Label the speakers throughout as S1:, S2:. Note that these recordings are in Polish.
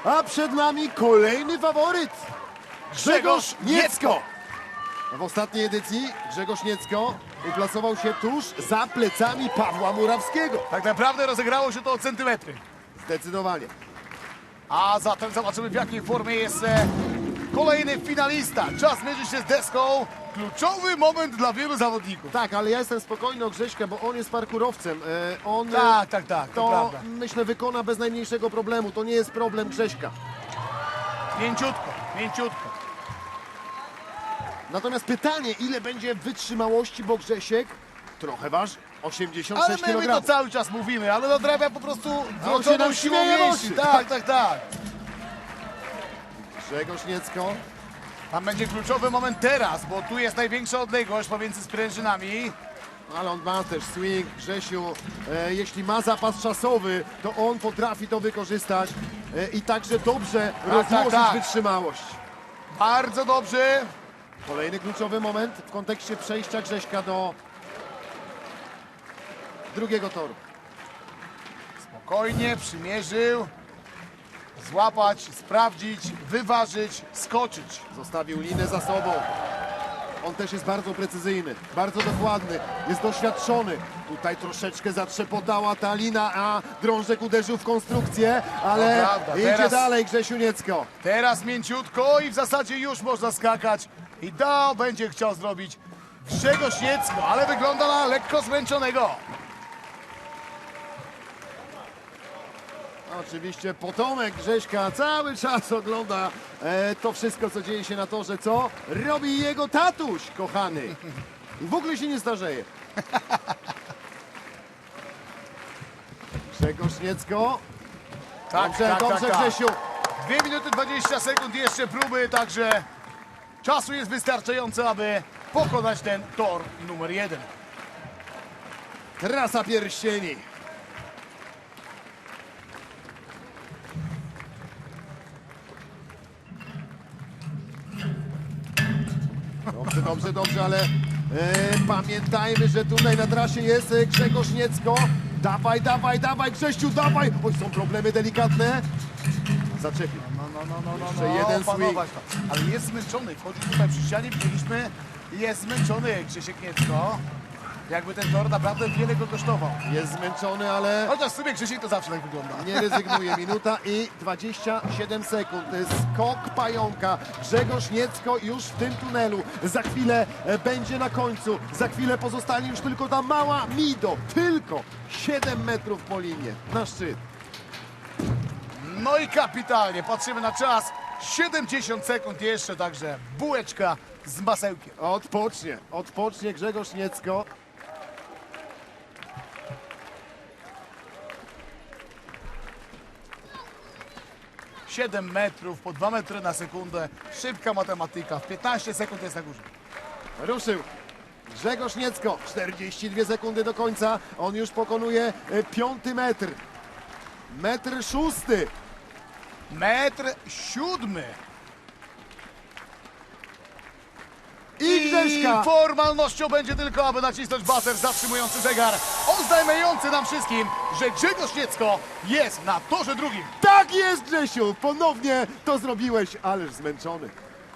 S1: A przed nami kolejny faworyt. Grzegorz Niecko. W ostatniej edycji Grzegorz Niecko uplasował się tuż za plecami Pawła Murawskiego.
S2: Tak naprawdę rozegrało się to o centymetry.
S1: Zdecydowanie.
S2: A zatem zobaczymy, w jakiej formie jest kolejny finalista. Czas mierzy się z deską. Kluczowy moment dla wielu zawodników.
S1: Tak, ale ja jestem spokojny o Grześka, bo on jest parkurowcem. On
S2: Tak, to
S1: to
S2: prawda.
S1: myślę wykona bez najmniejszego problemu. To nie jest problem Grześka.
S2: Mięciutko, mięciutko.
S1: Natomiast pytanie, ile będzie wytrzymałości, bo Grzesiek trochę waży. 86
S2: Ale my to
S1: kg.
S2: cały czas mówimy, ale nadrabia po prostu
S1: on się
S2: wrodzoną
S1: nam
S2: siłą
S1: śmieje w
S2: mięśni.
S1: oczy.
S2: Tak.
S1: Grzegorz Niecko.
S2: Tam będzie kluczowy moment teraz, bo tu jest największa odległość pomiędzy sprężynami.
S1: Ale on ma też swing, Grzesiu. Jeśli ma zapas czasowy, to on potrafi to wykorzystać i także dobrze rozłożyć
S2: tak.
S1: wytrzymałość.
S2: Bardzo dobrze.
S1: Kolejny kluczowy moment w kontekście przejścia Grześka do drugiego toru.
S2: Spokojnie przymierzył. Złapać, sprawdzić, wyważyć, skoczyć.
S1: Zostawił linę za sobą. On też jest bardzo precyzyjny, bardzo dokładny, jest doświadczony. Tutaj troszeczkę zatrzepotała ta lina, a drążek uderzył w konstrukcję, ale
S2: To prawda,
S1: idzie
S2: teraz-
S1: dalej Grzesiu Niecko.
S2: Teraz mięciutko i w zasadzie już można skakać. I to będzie chciał zrobić Grzegorz Niecko, ale wygląda na lekko zmęczonego.
S1: Oczywiście potomek Grześka cały czas ogląda to wszystko, co dzieje się na torze, co robi jego tatuś, kochany. I w ogóle się nie starzeje. Grzegorz Niecko. Dobrze, Grzesiu.
S2: 2 minuty 20 sekund jeszcze próby, także czasu jest wystarczająco, aby pokonać ten tor numer 1.
S1: Trasa pierścieni. Dobrze, ale pamiętajmy, że tutaj na trasie jest Grzegorz Niecko. Dawaj, Grześciu, dawaj! Oj, są problemy delikatne. Zaczepił. Jeszcze jeden swing.
S2: opanować to. Ale jest zmęczony, wchodzi tutaj przy ścianie, widzieliśmy, jest zmęczony Grzesiek Niecko. Jakby ten tor naprawdę wiele go kosztował.
S1: Jest zmęczony, ale
S2: Chociaż w sumie Grzesiek to zawsze tak wygląda.
S1: nie rezygnuje. Minuta i 27 sekund. Skok pająka. Grzegorz Niecko już w tym tunelu. Za chwilę będzie na końcu. Za chwilę pozostanie już tylko ta mała Mido. Tylko 7 metrów po linie. Na szczyt.
S2: No i kapitalnie, patrzymy na czas. 70 sekund jeszcze, także bułeczka z masełkiem.
S1: Odpocznie Grzegorz Niecko.
S2: Siedem metrów po 2 metry na sekundę. Szybka matematyka. W 15 sekund jest na górze.
S1: Ruszył. Grzegorz Niecko. 42 sekundy do końca. On już pokonuje 5 metr. Metr 6.
S2: Metr 7.
S1: I Grześka.
S2: Formalnością będzie tylko, aby nacisnąć bater zatrzymujący zegar, oznajmiający nam wszystkim, że Grzegorz Niecko jest na torze drugim.
S1: Tak jest, Grzesiu! Ponownie to zrobiłeś, ależ zmęczony.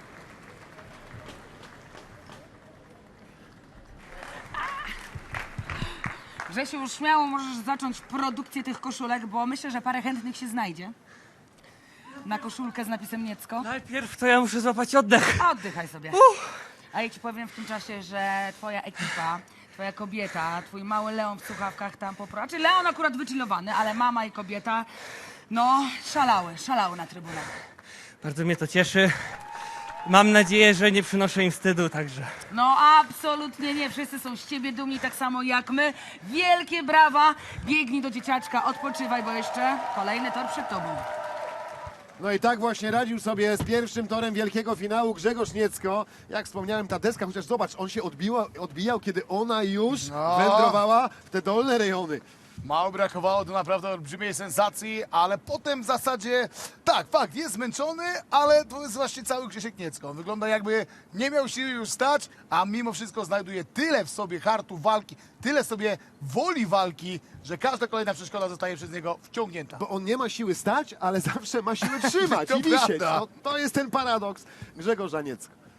S3: Grzesiu, już śmiało możesz zacząć produkcję tych koszulek, bo myślę, że parę chętnych się znajdzie. Na koszulkę z napisem Niecko.
S4: Najpierw to ja muszę złapać oddech.
S3: Oddychaj sobie. A ja ci powiem w tym czasie, że twoja ekipa, twoja kobieta, twój mały Leon w słuchawkach tam znaczy Leon akurat wychillowany, ale mama i kobieta, no, szalały na trybunach.
S4: Bardzo mnie to cieszy. Mam nadzieję, że nie przynoszę im wstydu, także.
S3: No absolutnie nie, wszyscy są z ciebie dumni tak samo jak my. Wielkie brawa, biegnij do dzieciaczka, odpoczywaj, bo jeszcze kolejny tor przed tobą.
S1: No i tak właśnie radził sobie z pierwszym torem wielkiego finału Grzegorz Niecko. Jak wspomniałem, ta deska, chociaż zobacz, on się odbijał, kiedy ona już wędrowała w te dolne rejony.
S2: Mało brakowało do naprawdę olbrzymiej sensacji, ale potem w zasadzie, tak, fakt, jest zmęczony, ale to jest właśnie cały Krzysiek Niecko. Wygląda jakby nie miał siły już stać, a mimo wszystko znajduje tyle w sobie hartu walki, tyle sobie woli walki, że każda kolejna przeszkoda zostaje przez niego wciągnięta.
S1: Bo on nie ma siły stać, ale zawsze ma siłę trzymać
S2: To
S1: i wisieć.
S2: prawda.
S1: No, to jest ten paradoks Grzegorza Niecka.